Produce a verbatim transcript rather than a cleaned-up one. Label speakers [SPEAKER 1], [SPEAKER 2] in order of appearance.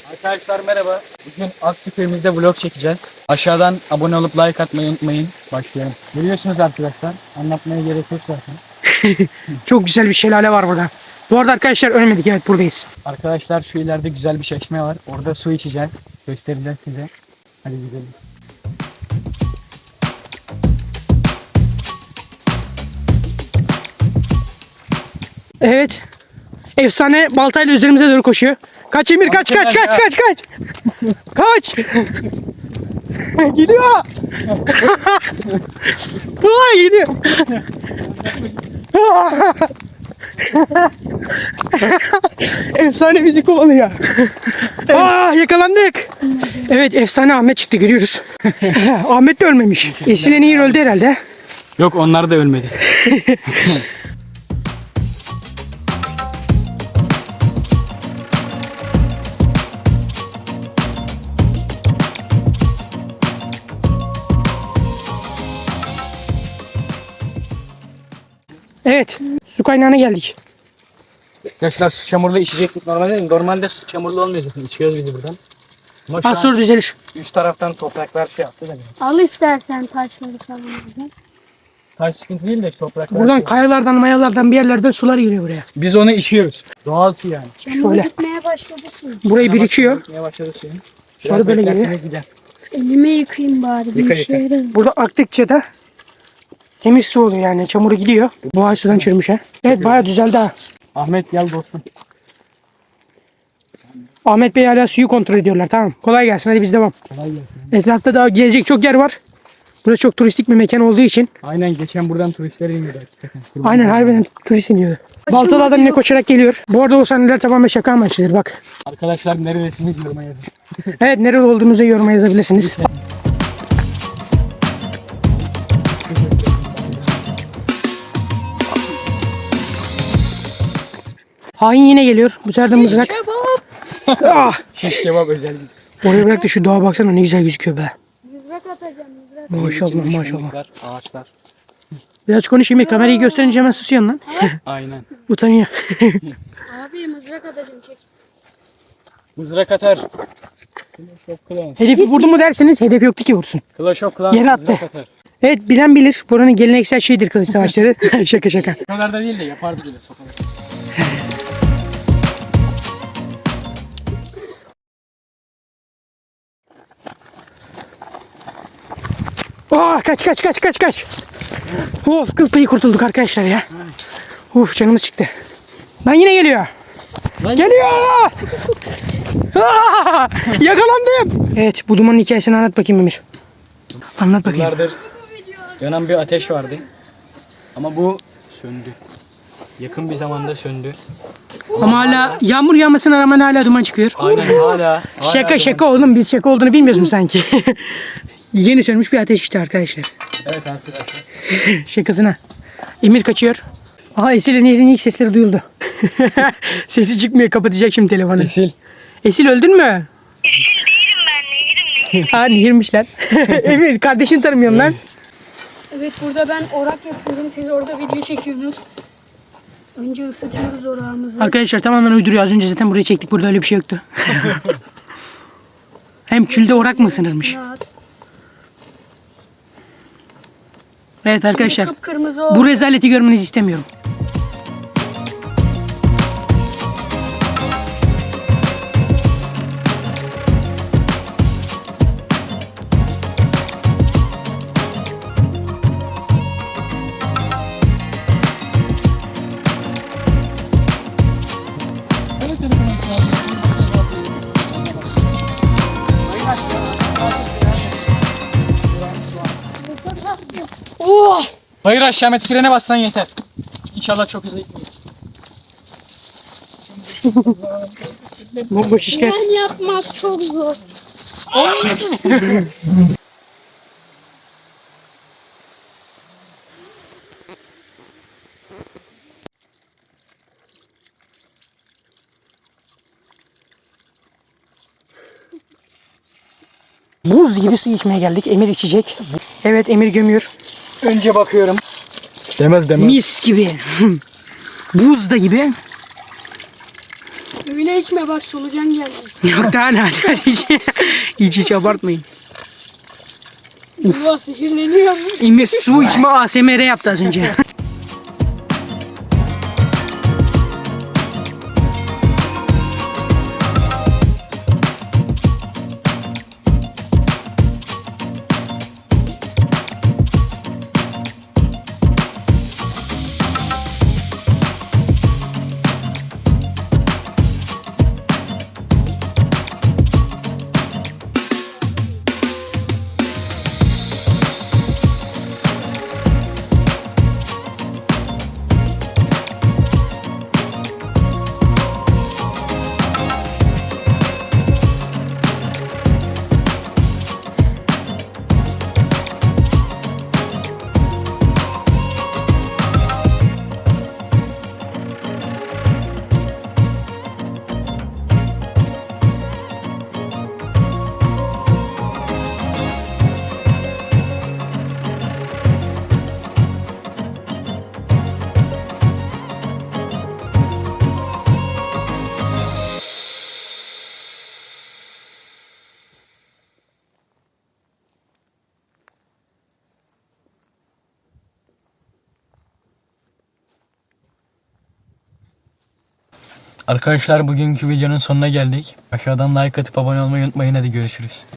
[SPEAKER 1] Arkadaşlar merhaba. Bugün Aksüköy'ümüzde vlog çekeceğiz. Aşağıdan abone olup like atmayı unutmayın. Başlayalım. Biliyorsunuz arkadaşlar. Anlatmaya gerek yok zaten.
[SPEAKER 2] Çok güzel bir şelale var burada. Bu arada arkadaşlar ölmedik, evet buradayız.
[SPEAKER 1] Arkadaşlar şu ileride güzel bir çeşme var. Orada su içeceğiz. Göstereceğiz size. Hadi gidelim.
[SPEAKER 2] Evet. Efsane baltayla üzerimize doğru koşuyor. Kaç Emir, kaç kaç kaç kaç kaç. Kaç. Gidiyor. Vay gidiyor. Efsane bizi kovalıyor. Aa, yakalandık. Evet, efsane Ahmet çıktı, görüyoruz. Ahmet de ölmemiş. Esil Nehir öldü herhalde.
[SPEAKER 1] Yok, onlar da ölmedi.
[SPEAKER 2] Evet, su kaynağına geldik.
[SPEAKER 1] Arkadaşlar su çamurlu içecektik normalde. Normalde su çamurlu olmuyor zaten. İçiyoruz bizi buradan. Ama şu
[SPEAKER 2] Az
[SPEAKER 1] an
[SPEAKER 2] sonra düzelir.
[SPEAKER 1] üst taraftan topraklar şey yaptı da.
[SPEAKER 3] Al istersen taşları falan. buradan.
[SPEAKER 1] Taş sıkıntı değil de topraklar.
[SPEAKER 2] Buradan
[SPEAKER 1] şey.
[SPEAKER 2] kayalardan, mayalardan bir yerlerden sular giriyor buraya.
[SPEAKER 1] Biz onu içiyoruz. Doğal su yani.
[SPEAKER 3] Çamur
[SPEAKER 2] Şöyle.
[SPEAKER 3] gitmeye başladı su.
[SPEAKER 2] Burayı birikiyor.
[SPEAKER 1] Ne başladı suyun?
[SPEAKER 2] Sonra
[SPEAKER 1] Biraz
[SPEAKER 2] böyle
[SPEAKER 1] beklerseniz gider.
[SPEAKER 3] Elime yıkayayım bari.
[SPEAKER 1] Yıka,
[SPEAKER 3] Bir işe
[SPEAKER 1] yıka.
[SPEAKER 3] yarar.
[SPEAKER 2] Burada aktıkça da temiz su oluyor yani. Çamuru gidiyor. Bu ay sudan çürümüş ha. Evet, bayağı düzeldi ha.
[SPEAKER 1] Ahmet gel dostum.
[SPEAKER 2] Ahmet Bey hala suyu kontrol ediyorlar. Tamam. Kolay gelsin. Hadi biz devam.
[SPEAKER 1] Kolay gelsin.
[SPEAKER 2] Etrafta daha gelecek çok yer var. Burası çok turistik bir mekan olduğu için.
[SPEAKER 1] Aynen, geçen buradan turistler iniyordu hakikaten. Kurban
[SPEAKER 2] Aynen,
[SPEAKER 1] olayım.
[SPEAKER 2] harbiden turist iniyordu. Baltalı adam yine koşarak geliyor. Bu arada o sahneler tamamen şaka amaçlıdır bak.
[SPEAKER 1] Arkadaşlar neredesiniz yoruma yazın.
[SPEAKER 2] Evet, nerede olduğumuzu yoruma yazabilirsiniz. Hain yine geliyor. Bu sefer de mızrak.
[SPEAKER 3] Kebap.
[SPEAKER 2] Ah!
[SPEAKER 1] Şiş kebap özel.
[SPEAKER 2] Oraya bırak da şu doğa baksana, ne güzel gözüküyor be.
[SPEAKER 3] Mızrak atacağım mızrak.
[SPEAKER 2] Maşallah maşallah.
[SPEAKER 1] Çimlikler, ağaçlar.
[SPEAKER 2] Biraz konuşayım, kamerayı gösterince hemen susuyorsun lan.
[SPEAKER 1] Aynen.
[SPEAKER 2] Utanıyor.
[SPEAKER 3] Abi mızrak atacağım çek.
[SPEAKER 1] Mızrak atar. Clash of Clans.
[SPEAKER 2] Hedefi vurdu mu derseniz, hedef yoktu ki vursun.
[SPEAKER 1] Clash of Clans
[SPEAKER 2] Yere attı.
[SPEAKER 1] mızrak atar.
[SPEAKER 2] Evet, bilen bilir. Buranın geleneksel şeyidir kılıç savaşları. Şaka şaka.
[SPEAKER 1] O kadar da değil de yapardı bile sokağa.
[SPEAKER 2] Oh, kaç kaç kaç kaç kaç. Of, kıl payı kurtulduk arkadaşlar ya. Uf, canımız çıktı. Lan yine geliyor.
[SPEAKER 1] Lan-
[SPEAKER 2] Geliyor. Aa, yakalandım. Evet, bu dumanın hikayesini anlat bakayım Emir. Anlat bakayım.
[SPEAKER 1] Yıllardır yanan bir ateş vardı. Ama bu söndü. Yakın bir zamanda söndü.
[SPEAKER 2] Ama hala yağmur yağmasına rağmen hala duman çıkıyor.
[SPEAKER 1] Aynen hala. hala
[SPEAKER 2] Şaka
[SPEAKER 1] duman-
[SPEAKER 2] şaka oğlum, biz şaka olduğunu bilmiyoruz mu sanki? Yeni sönmüş bir ateş işte arkadaşlar.
[SPEAKER 1] Evet arkadaşlar.
[SPEAKER 2] Şakasına. Emir kaçıyor. Aha, Esil'in Nehir'in ilk sesleri duyuldu. Sesi çıkmıyor, kapatacak şimdi telefonu.
[SPEAKER 1] Esil.
[SPEAKER 2] Esil öldün mü? Esil değilim ben, Nehir'im. Ha, Nehir'mişler. Emir, kardeşini tanımıyorum lan.
[SPEAKER 3] Evet, burada ben orak yapıyorum. Siz orada video çekiyorsunuz. Önce ısıtıyoruz orağımızı.
[SPEAKER 2] Arkadaşlar tamamen uyduruyor. Az önce zaten buraya çektik. Burada öyle bir şey yoktu. Hem külde orak mı ısınırmış?
[SPEAKER 3] Rahat.
[SPEAKER 2] Evet arkadaşlar.
[SPEAKER 3] Kıpkırmızı oldu.
[SPEAKER 2] Bu rezaleti görmenizi istemiyorum.
[SPEAKER 3] Oh!
[SPEAKER 1] Hayır, aşağı met frene bassan yeter. İnşallah çok hızlı gitmeyiz.
[SPEAKER 2] Bomboş işler.
[SPEAKER 3] Ben yapmak çok zor.
[SPEAKER 2] Buz gibi su içmeye geldik. Emir içecek. Evet, Emir gömüyor.
[SPEAKER 1] Önce bakıyorum. Demez demez.
[SPEAKER 2] Mis gibi. Buz da gibi.
[SPEAKER 3] Öyle içme bak solucan geldi.
[SPEAKER 2] Yok daha ne hadi hiç, hiç hiç abartmayın.
[SPEAKER 3] Vah zehirleniyor mu?
[SPEAKER 2] İlmi su içme A S M R yaptı az önce.
[SPEAKER 1] Arkadaşlar bugünkü videonun sonuna geldik. Aşağıdan like atıp abone olmayı unutmayın. Hadi görüşürüz.